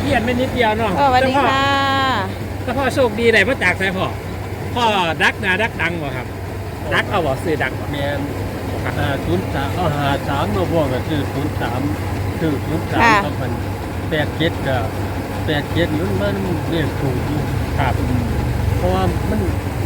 พี้ยนไม่นิดเดียวเนาะสวัสดีค่ะแต่พ่อโชคดีได้มาจากไหนพ่อดักนาดักดังบ่ครับดักเอาบ่ซื้อดักบ่แมน03เอา53มาบ่ก็คือ03คือ03กับมัน87ก็87มันเรียกถูกอยู่ครับเพราะว่ามัน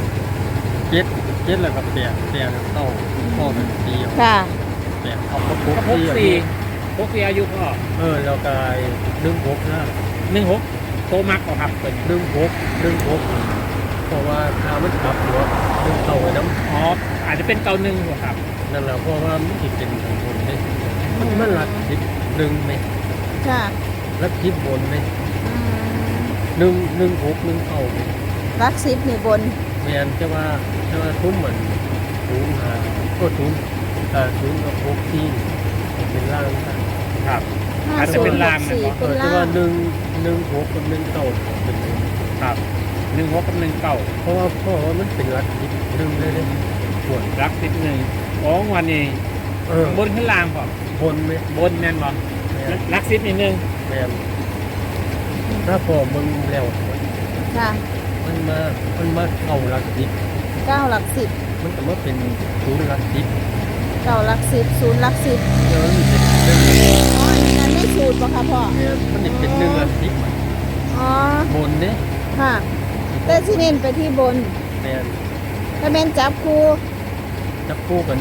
7แล้วก็8แล้วเต้าพ่อเป็นเดียวค่ะ 8เอาก็ก็พกสี่อายุพ่อแล้วก็16นะ 16โตมักบ่ครับเป็น 16เพราะว่าถ้ามันกลับหัวเต้าไว้น้ำอ๋ออาจจะเป็นเกาหนึ่งบ่ครับนั่นแหละเพราะว่ามันสิเป็นของบนเนี่ยมันหลัก11ไหมค่ะหลัก10บนไหมอืม 116เอาไหมรักซิปนี่บนแม่นจะว่าทุ่มเหมือนศูนย์หาก็ศูนย์กับ6ที่เป็นล่างกันครับห้าอาจจะศูเป็นนย์รางสี่นะเป็นแต่ล่าว่าง116กับ1เต้าเป็นหนึ่งครับ16กับ19 เพราะว่ามันเป็นหลัก10ดึงเลยเลยส่วนรัก11อ๋อวันนี้บนขึ้นล่างบ่บนไหมบนแม่นบ่แม่นรัก10นิดนึงแม่นถ้าพอมึงแล้วค่ะมันมาเอาหลัก10 เก้าหลักสิบมันก็มาเป็นศูนย์หลัก10 เก้าหลักสิบศูนย์หลักสิบเดี๋ยวมันเป็นหนึ่งอ๋ออันนั้นไม่สูตรป่ะคะพ่อเนี่ยมันเป็นหนึ่งหลัก10 อ๋อบนเนี่ยค่ะ แต่ที่เน้นไปที่บนเนี่ยถ้าแม่นจับคู่จับคู่กับ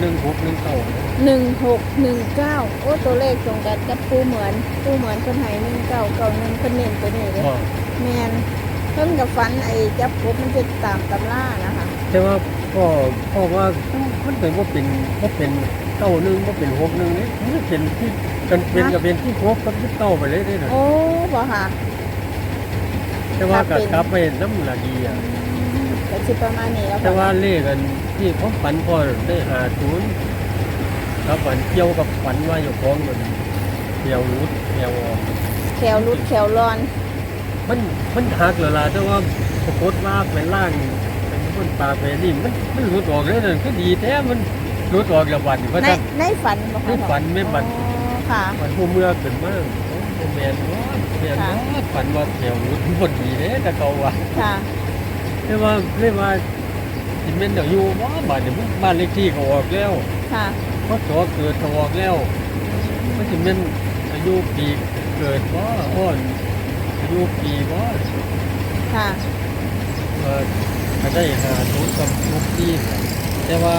1619โอ้ตัวเลขตรงกันกับปูเหมือนคนไห้1991คนเน้นตัวนี้เลยว่าแมนเพิ่นกับฟันไอ้จับกบมันจะตามตำล่านะคะแต่ว่าพ่อว่ามันเป็นว่าเป็น91ว่าเป็น61เนี่ยมันเป็นที่กันเป็นกับเป็นที่6กับที่เก้าไปเลยได้นะโอ้บ่ค่ะแต่ว่ากับกลับไปน้ำละดีอ่ะก็สิประมาณนี้แล้วแต่ว่าค่ะเลขกันที่ผมฝันพ่อได้50ครับฝันเกี่ยวกับฝันว่าอยู่ของมันเกี่ยวรุดเกี่ยวออกแขวรุดแขวร้อนมันหักแล้วล่ะแต่ว่าปรากฏว่าไปล่างเป็นคนปลาไปนี่มันหลุดออกแล้วนั่นก็ดีแท้มันหลุดออกแล้วบัดนี่ว่าในถ้าในฝันบ่คะในฝันไม่ฝันอ๋อค่ะฝันผู้เมื่อขึ้นมาโอ้แม่นว่าฝันว่าแถวหลุดบ่ดีเด้แต่เขาว่าค่ะแต่ว่าเรียกว่าสิแม่นเดี๋ยวอยู่บ่บัดนี่บ้านเลขที่ก็ออกแล้วค่ะพศเกิดก็ออกแล้วมันสิแม่นอายุปีเกิดบ่อ้อนอายุปีบ่ค่ะก็ได้หาทุนกับทุกที่แต่ว่า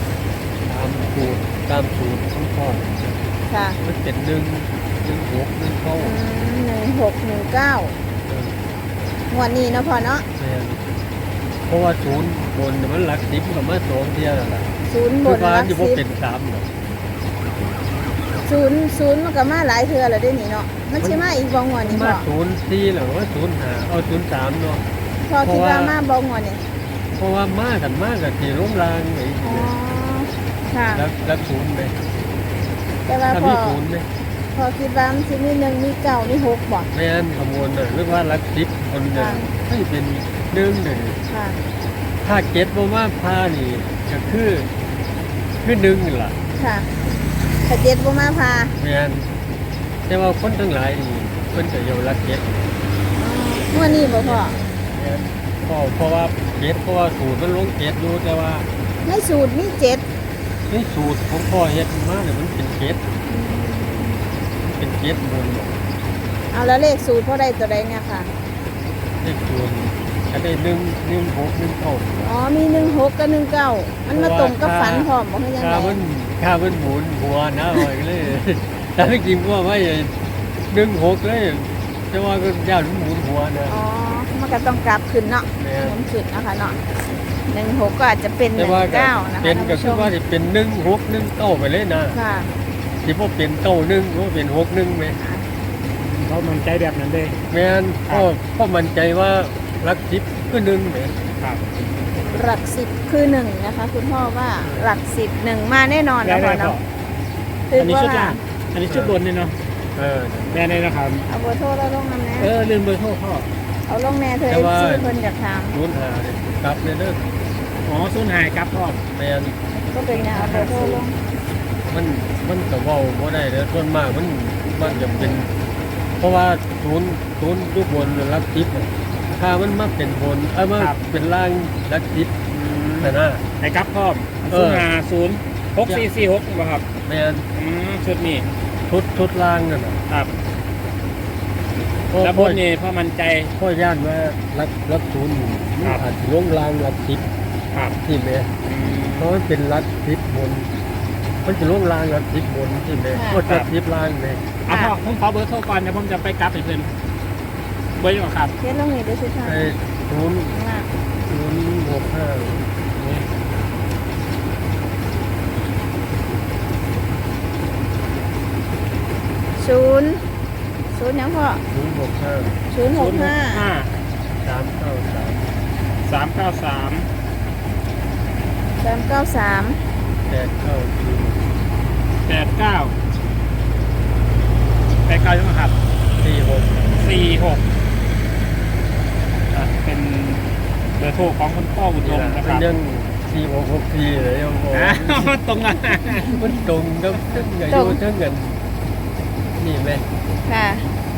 ตามสูตรของพ่อค่ะมันเป็น1 6 1 เข้า 1619งวดนี้เนาะพ่อเนาะแม่นเพราะว่าศูนย์บนมันหลัก10กับมา2เที่ยนั่นล่ะศูนย์บคือน ว่าหลักอยู่บ่สิบเป็น3ดอกศูนย์มันก็มาหลายเทื่อแล้วเด้นี่เนาะมันสิมาอีกบ่งวดนี้มาพ่อ 04แล้วว่า05เอา03เนาะพ่อคิดว่ามาบ่งวดนี้เพราะว่ามากันที่โรงรางไอ้อ๋อค่ะแล้วศูนย์ไหมแต่ว่าถ้าพ่มีอศูนย์ไหมพอคิดว่ามันสิมี1มี9มี6บ่แม่นขบวนน่ะหรือว่าหลัก10คนน่ะให้เป็น1เลยค่ะถ้าเก็ตบ่มาพานี่ก็คือ1ล่ะค่ะถ้าเจ็ดบ่มาพาแม่นแต่ว่าคนทั้งหลายนี่เพิ่นก็อยู่หลักเก็ตเมื่อนี้บ่พ่อแม่นเพราะว่าเก็ตเพราะว่าสูตรมันลงเก็ตอยู่แต่ว่าในสูตรมีเจ็ดในสูตรของพ่อเฮ็ดมาเนี่ยมันเป็นเก็ตบนเอาแล้วเลขสูตรพ่อได้ตัวใดเนี่ยค่ะเลขศูนย์ก็ได้1 6 1 9 อ๋อมี16กับ19มันมาตรงกับฝันพร้อมบ่คือยังไงค่ามันหมุนหัวนะว่าเลย แต่จริงๆว่าไม่16เลยแต่ว่าก็ย่านมันหมุนหัวนะอ๋อมันก็ต้องกลับขึ้นเนาะแม่หมุนขึ้นเนาะค่ะเนาะ16ก็อาจจะเป็นแต่ว่าก็ 19นะคะเป็นท่านก็ผู้ชคือมว่าสิเป็น1 6 1 9ไปเลยนะค่ะสิบ่เป็น91บ่เป็น61แม่เขามันใจแบบนั้นเลยแม่นพ่อมั่นใจว่าหลัก10คือ1แม่ครับหลัก10คือ1นะคะคุณพ่อว่าหลัก10 1มาแน่นอนได้นะพ่อพ่อเนาะอันนี้ชุดล่างอันนี้ชุดบนนี่เนาะเออแม่นี่นะครับเอาเบอร์โทรแล้วลงนำแน่ลืมเบอร์โทรพ่อเอาลงแน่เธอแต่ว่า FC เพิ่นอยากถาม 05นี่กลับเลยเด้ออ๋อศูนย์หายครับพ่อแม่นก็เป็นแนวเอาเบอร์โทรลงมันก็เว้าบ่ได้เด้อส่วนมากมันจะเป็นเพราะว่าศูนย์ยุบบนรักทิพย์ถ้ามันมาเป็นบนมาเป็นล่างรักทิพย์แต่น่ะไอ้ครับพ่อมเออ 0506446บ่ครับแม่นชุดนี้ชุดล่างนั่นน่ะครับเพราะแล้วบนนี่พ่อมั่นใจพ่อย่านว่ารักศูนย์ครับอาจจะลงล่างรักทิพย์ครับที่แม่เพราะมันเป็นรักทิพย์บนมันจะลงล่างรักทิพย์บนที่แม่ก็รักทิพย์ล่างแม่เอาพ่อผมขอเบอร์โทรก่อนเดี๋ยวผมจะไปกลับให้เพิ่นเบอร์ยังครับเขียนลงนี่ด้วยสิค่ะไอ้ศูนย์ข้างล่าง 065 ศูนย์หยังพ่อ 065 065 393 393 894 89ใช่ไหมครับ 46 46เป็นเบอร์โทรของคุณพ่ออุดมนะมัคน รับยัง4664เลยยังบอกตรงนั้นมันตรงกับทั้งอายุทั้งเงินนี่ไหมค่ะ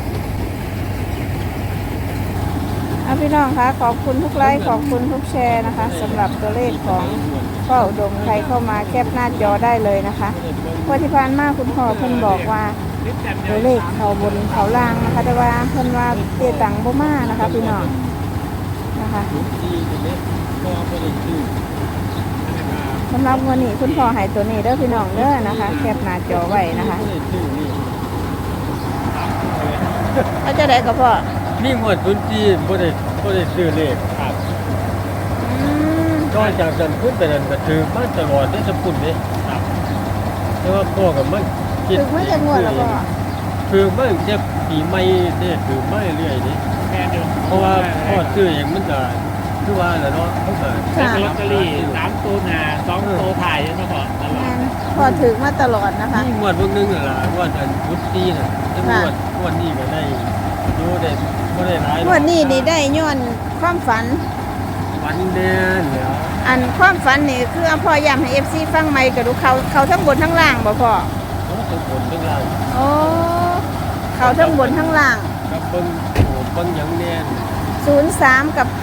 เอาพี่น้องคะขอบคุณทุกไลค์ขอบคุณทุกแชร์นะคะสำหรับตัวเลขของพ่ออุดมใครเข้ามาแคปหน้าจอได้เลยนะคะเพราะที่ผ่านมาคุณพ่อเพิ่นบอกว่าตัวเลขเขาบนเขาล่างนะคะแต่ว่าเพิ่นว่าเตี้ยตังบ่มานะคะพี่น้องนะคะที่นี่ก็ไม่ได้ชื่อสำหรับวันนี้คุณพ่อให้ตัวนี้เด้อพี่น้องเด้อนะคะแคปหน้าจอไว้นะคะไม่ได้ชื่อนี่เอาจะได้กับพ่อนี่หมวดพื้นที่ไม่ได้ซื้อเลขครับอืมนอกจากนั้นขึ้นไปนั้นก็ถือมาตลอดได้สกุลนี่ครับแต่ว่าพ่อกับมันถึงไม่จะงวดแล้วพ่อคือไม่จะปีใหม่เนี่ยถือไม่เรื่อยนี่แม่เดียวเพราะว่าพ่อซื้อเองมันก็คือว่าแหละเนาะเขาก็ซื้อลอตเตอรี่3ตัวหน้า2ตัวถ่ายใช่ไหมพ่อตลอดพ่อถือมาตลอดนะคะนี่งวดพวกนึงน่ะล่ะงวดอันพุทธีน่ะแต่งวดนี้ก็ได้ดูได้บ่ได้หลายงวดนี้นี่ได้ย้อนความฝันวันแน่เนี่ยอันความฝันนี่คือเอาพ่อย้ำให้ FC ฟังใหม่กระดูกเขาทั้งบนทั้งล่างบ่พ่อเขาตะบนทั้งล่างโอ้เขาทั้งบนทั้งล่างกับเบิ่งโอ้เบิ่งหยังแน่น 03 กับ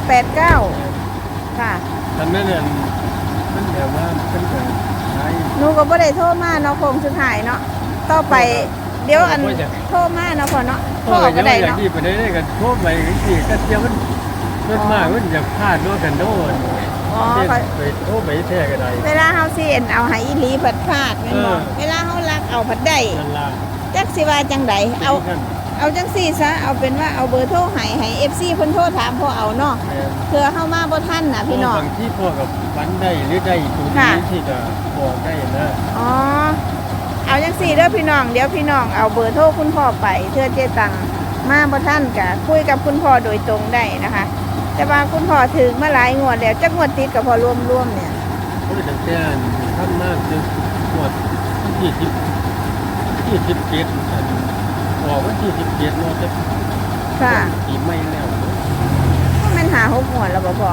89 ค่ะทำนั้นน่ะมันแบบว่าเป็นการใช้หนูก็บ่ได้โทรมาเนาะโคงสุดท้ายเนาะต่อไปเดี๋ยวอันโทรมาเนาะพ่อเนาะพ่อก็ได้อย่างเนาะที่ไปได้กันทั่วไปที่ก็เที่ยวมันมากมันอยากพลาดเนาะกันโน่นอ๋อไปโอ้ไปแท้ก็ได้เวลาเฮาสิเอ็นเอาให้อีหลีผัดพลาดแม่นบ่เวลาเฮารักเอาผัดได้นั่นล่ะจักสิว่าจังไดเอาจังซี่ซะเอาเป็นว่าเอาเบอร์โทรให้ FC เพิ่นโทรถามพ่อเอาเนาะเพื่อเฮามาบ่ทันน่ะพี่น้องบางที่พ่อกับฝันได้หรือได้ตัวนี้ที่จะบอกได้นะอ๋อเอาจังซี่เด้อพี่น้องเดี๋ยวพี่น้องเอาเบอร์โทรคุณพ่อไปเพื่อเจตังมาบ่ทันก็คุยกับคุณพ่อโดยตรงได้นะคะ แต่ว่าคุณพ่อถึงมาหลายงวดแล้วจักงวดติดกับพ่อรวมๆเนี่ยเพราะตั้งแต่ท่านมากจนปวดที่17ออกวันที่17เนาะจะค่ะปีใหม่แล้วมันหา6งวดแล้วบ่พ่อ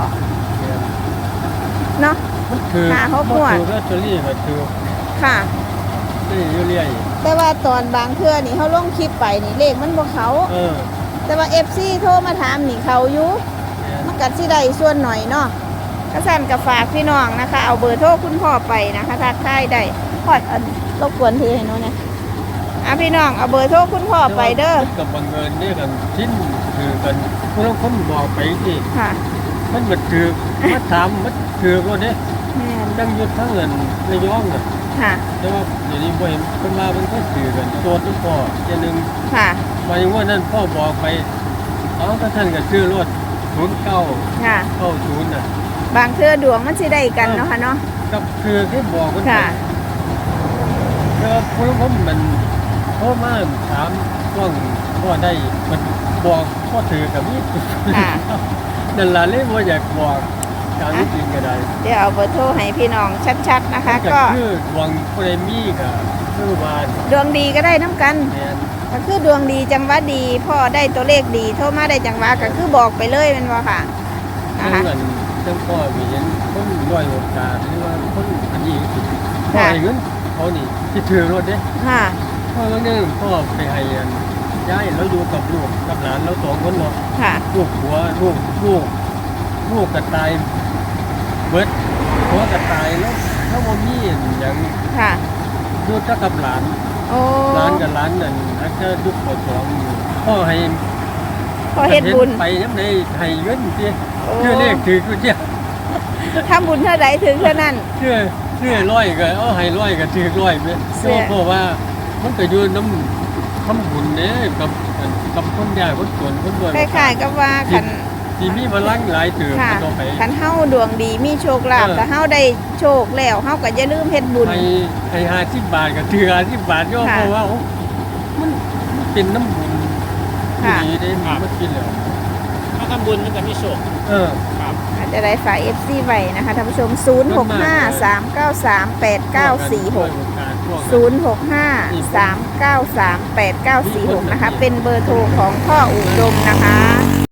เนาะมันคือหาเขาปวดมันคือลอตเตอรี่ก็คือค่ะได้เรื่อยแต่ว่าตอนบางเทื่อนี่เขาลงคลิปไปนี่เลขมันบ่เขาเออแต่ว่า FC โทรมาถามนี่เขาอยู่มันก็สิได้ส่วนหน่อยเนาะก็สั่นกับฝากพี่น้องนะคะ เอาเบอร์โทรคุณพ่อไปนะคะทักทายได้พอดอันรบกวนถือให้หนูเนี่ยพี่น้องเอาเบอร์โทรคุณพ่อไปเด้อกับบังเอิญเนี่ยกันชิ้นคือกันพวกเราคนบอกไปที่ค่ะมันมันถือมาถามมันถือก็เนี่ยแม่นตั้งยุดทั้งเงินระยองน่ะค่ะแต่ว่าเดี๋ยวนี้บ่เห็นคนมามันก็ถือกันตัวทุกพ่ออย่างหนึ่งค่ะหมายถึงว่านั่นพ่อบอกไปเอาถ้าท่านก็ซื้อรถ09 ค่ะ 90น่ะบางเทื่อดวงมันสิได้กันเนาะค่ะเนาะกับคือที่บอกมันค่ะก็พวกผมมันพ่อมาถามว่างพ่อได้มันบอกพ่อถือกับมีดค่ะนั่นล่ะเลยบ่อยากบอกการจริงก็ได้เดี๋ยวเอาเบอร์โทรให้พี่น้องชัดๆนะคะก็ก็คือหวังเปรมีกับคือว่าดวงดีก็ได้น้ำกันแม่นก็คือดวงดีจังหวะดีพ่อได้ตัวเลขดีโทรมาได้จังหวะก็คือบอกไปเลยแมันว่าค่ะนะทั้คะงนั้นทั้งพ่อมีเห็นคนด้อยโอกาสหรือว่าคนอันนี้สิพ่อค่ะให้เงินเขานี่ที่ถือรถเด้ค่ะพ่อบางเรื่องพ่อไปให้อันย้ายเราอยู่กับลูกกับหลานเราสองคนเนาะค่ะลูกหัวลูกกระต่ายเบิดหัวกระต่ายแล้วถ้าว่ามีอย่างค่ะดูถ้ากับหลานโอ้ร้านกับร้านนั่นอาจจะยุคปวดท้องพ่อให้พอเฮ็ดบุญไปยังไงให้เงินสิโอ้เชื่อเลขถือกูเจ้าทำบุญเท่าใดถึงเท่านั้นเชื่อร้อยก็เอาให้ร้อยก็ถือร้อยไปเชื่อเพราะว่ามันก็อยู่น้ำทำบุญเนี่ยกับคนยากคนจนคนรวยคล้ายๆกับว่าคันที่มีพลังหลายเติมค่ะต่อไปคันเฮาดวงดีมีโชคลาภแต่เฮาได้โชคแล้วเฮาก็อย่าลืมเฮ็ดบุญให้50 บาทก็ถือ50 บาทย่อค่ะเพราะว่าโอ้มันเป็นน้ำบุญค่ะดีได้มากินแล้วถ้าทำบุญมันจะมีโชค ครับอาจจะได้ฝาก FC ไว้นะคะท่านผู้ชม 0653938946 0653938946 นะคะ เป็นเบอร์โทรของพ่ออุดมนะคะ